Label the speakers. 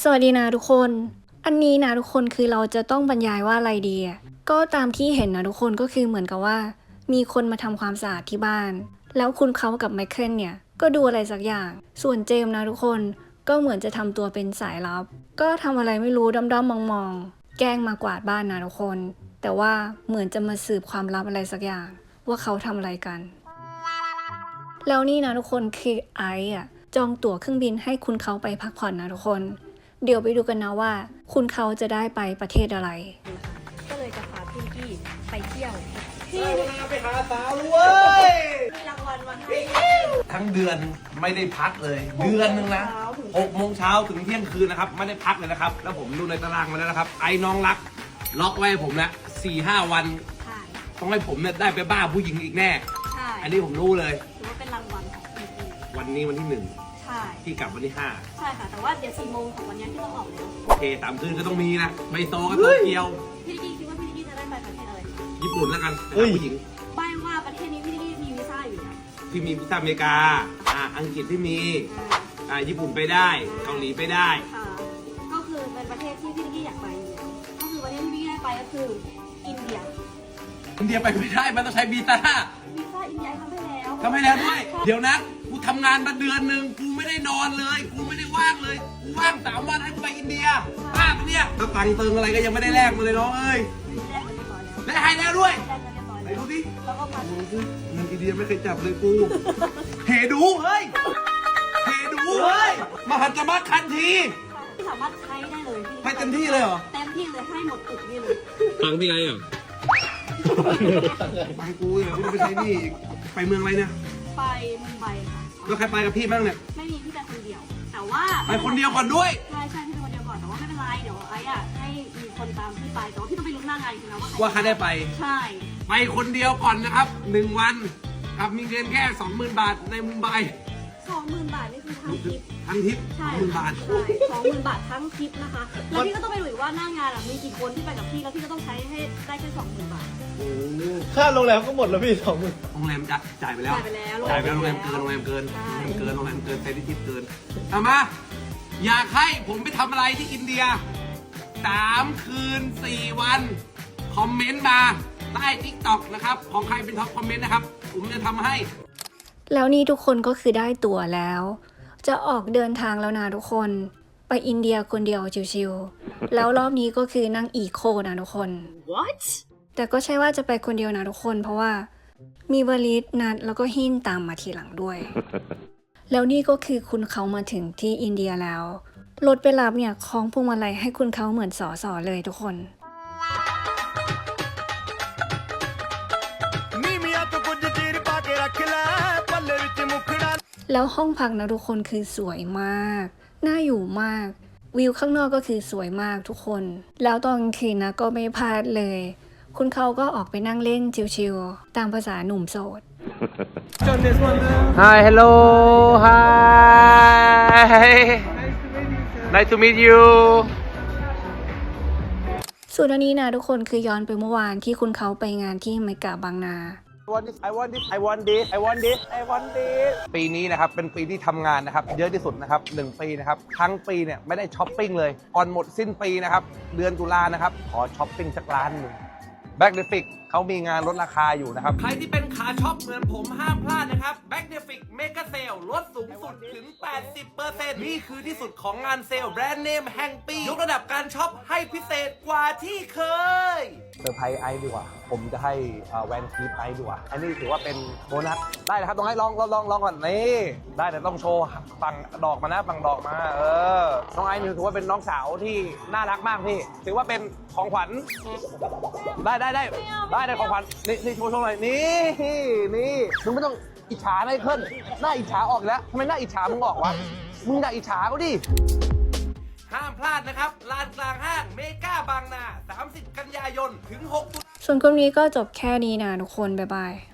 Speaker 1: สวัสดีนะทุกคนอันนี้นะทุกคนคือเราจะต้องบรรยายว่าอะไรดีก็ตามที่เห็นนะทุกคนก็คือเหมือนกับว่ามีคนมาทำความสะอาดที่บ้านแล้วคุณเขากับไมเคิลเนี่ยก็ดูอะไรสักอย่างส่วนเจมส์นะทุกคนก็เหมือนจะทำตัวเป็นสายลับก็ทำอะไรไม่รู้ด้อมๆมองๆแกล้งมากวาดบ้านนะทุกคนแต่ว่าเหมือนจะมาสืบความลับอะไรสักอย่างว่าเขาทำอะไรกันแล้วนี่นะทุกคนคือไอซ์จองตั๋วเครื่องบินให้คุณเขาไปพักผ่อนนะทุกคนเดี๋ยวไปดูกันนะว่าคุณเขาจะได้ไปประเทศอะไร
Speaker 2: ก็เลยจะพาพี่กี้ไปเที่ยว
Speaker 3: พี่ไปหาสาวเว้ย
Speaker 2: มีรางวัลมาให้
Speaker 3: ทั้งเดือนไม่ได้พักเลยเดือนนึงนะ6 โมงเช้าถึงเที่ยงคืนนะครับไม่ได้พักเลยนะครับแล้วผมดูในตารางมาแล้วนะครับไอ้น้องรักล็อกไว้ผมนะ4-5 วันต้องให้ผมเนี่ยได้ไปบ้าผู้หญิงอีกแน่
Speaker 2: ใช่
Speaker 3: อันนี้ผมรู้เลย
Speaker 2: ถือว่าเป็นรางวัลของพี่กี้
Speaker 3: วันนี้วันที่1
Speaker 2: ใช่
Speaker 3: ที่กลับวันที่
Speaker 2: 5ใช่ค่ะแต่ว่าเดี๋ยว4 โมงของวันนี้ที่ต้องออกแล้ว
Speaker 3: โอเคตามคืนก็ต้องมีนะไบโตกับโตเกียว
Speaker 2: พี่กี้คิดว่าพี่กี้จะได้ไปประเทศอะไร
Speaker 3: ญี่ปุ่นแล้วกันผู้หญิง
Speaker 2: ใบว่าประเทศนี้พี่กี้มีวีซ่าอยู่นะ
Speaker 3: ที่มีวีซ่าอเมริกาอังกฤษที่มีญี่ปุ่นไปได้เกาหลีไปได้
Speaker 2: ก็คือเป็นประเทศที่พี่กี้อยากไปก็คือประเทศที่พี่กี้ได้ไปก็คืออินเดีย
Speaker 3: ไปไม่ได้มันต้องใช้วีซ่า
Speaker 2: อินเดีย
Speaker 3: ทำให้แล้วด้วยเดี๋ยวนะกูทำงานมาเดือนหนึ่งกูไม่ได้นอนเลยกูไม่ได้ว่างเลยกูว่าง3 วันให้กูไปอินเดียบ้าปะเนี่ยถ้าตังค์เติงอะไรก็ยังไม่ได้แลกมาเลยน้องเอ้ยได้ให้แล้วด้วยไหนดูดิเงินอินเดียไม่เคยจับเลยกูเฮดูเฮ้ยมหัศจรรย์คันที
Speaker 2: สามารถใช้ได้เลย
Speaker 3: ให้เต็มที่เลยเหรอ
Speaker 2: เต็มที่เลยให้หมดตึกนี่เลย
Speaker 3: ตังค์พี่ไงอ่ะไปกูอย่าไปใช้นี่ไปเมืองอะไรเนี่ย
Speaker 2: ไปมุมไบค่ะ
Speaker 3: แล้วใครไปกับพี่บ้างเนี่ย
Speaker 2: ไม่มีพี่ไปคนเดียวแต่ว่า
Speaker 3: ไปคนเดียวก่อนด้วย
Speaker 2: ใช่พี่ไปคนเดียวก่อนแต่ว่าไม่เป็นไรเดี๋ยวไอ้ให้มีคนตามพี่ไปแต่ว่าพี่ต้องไปลุ้นหน้างานอีกนะ
Speaker 3: ว่าใครได้ไป
Speaker 2: ใช่
Speaker 3: ไปคนเดียวก่อนนะครับ1 วันกับมีเงินแค่ 20,000 บาทในมุมไบ
Speaker 2: 20,000 บาทนี่คือทั้งทริป
Speaker 3: ใช่20,000 บาท
Speaker 2: 20,000 บาททั้งทริปนะคะแล้วพี่ก็ต้องไปดูว่าหน้างานมีกี่คนที่ไปกับพี่แล้วพี่ก็ต้องใช้ให้ได้แค่20,000 บาท
Speaker 4: ค่าโรงแรมก็หมดแล้วพี่
Speaker 3: โรงแรมจ่ายไปแล้วโรงแรมเกินโรงแรมเกินเซนทิปเกินเอามาอยากให้ผมไปทำอะไรที่อินเดีย3 คืน 4 วันคอมเมนต์มาใต้ TikTok นะครับของใครเป็นท็อปคอมเมนต์นะครับผมจะทำให้
Speaker 1: แล้วนี่ทุกคนก็คือได้ตั๋วแล้วจะออกเดินทางแล้วนะทุกคนไปอินเดียคนเดียวชิวๆแล้วรอบนี้ก็คือนั่งอีโคนะทุกคน
Speaker 2: What
Speaker 1: แต่ก็ใช่ว่าจะไปคนเดียวนะทุกคนเพราะว่ามีวลิตนัดแล้วก็หินตามมาทีหลังด้วย แล้วนี่ก็คือคุณเขามาถึงที่อินเดียแล้วรถไปรับเนี่ยคล้องพวงมาลัยให้คุณเขาเหมือนสอเลยทุกคนแล้วห้องพักนะทุกคนคือสวยมากน่าอยู่มากวิวข้างนอกก็คือสวยมากทุกคนแล้วตอนกลางคืนนะก็ไม่พลาดเลยคุณเขาก็ออกไปนั่งเล่นชิลๆตามภาษาหนุ่มโสด
Speaker 4: Hi hello hi nice to meet you
Speaker 1: ส่วนอันนี้นะทุกคนคือย้อนไปเมื่อวานที่คุณเขาไปงานที่เมกะบางนา
Speaker 3: I want this ปีนี้นะครับเป็นปีที่ทำงานนะครับเยอะที่สุดนะครับ1 ปีนะครับทั้งปีเนี่ยไม่ได้ช้อปปิ้งเลยก่อนหมดสิ้นปีนะครับเดือนตุลานะครับขอช้อปปิ้งสัก1 ล้านBackdefic เขามีงานลดราคาอยู่นะครับใครที่เป็นขาช็อปเหมือนผมห้ามพลาดนะครับ Backdefic Mega Sale ลดสูงสุดถึง 80% นี่คือที่สุดของงานเซลล์แบรนด์เนมแห่งปียกระดับการช็อปให้พิเศษกว่าที่เคยเซอร์ไพรส์ไอซ์ดีกว่าผมจะให้แวนคีปไอซ์ดีกว่าอันนี้ถือว่าเป็นโบนัสได้นะครับต้องให้ลองก่อนนี่ได้แต่ต้องโชว์ฝั่งดอกมานะฝั่งดอกมาน้องไอซ์ถือว่าเป็นน้องสาวที่น่ารักมากพี่ถือว่าเป็นของขวัญได้ของขวัญนี่โชว์หน่อยนี่มึงไม่ต้องอิจฉาไมเคิลหน้าอิจฉาออกแล้วทำไมหน้าอิจฉามึงออกวะมึงอย่าอิจฉาเขาดิห้ามพลาดนะครับลานกลางห้างเมกาบางนา30 กันยายนถึง6
Speaker 1: ส่วนคลิปนี้ก็จบแค่นี้นะทุกคนบ๊ายบาย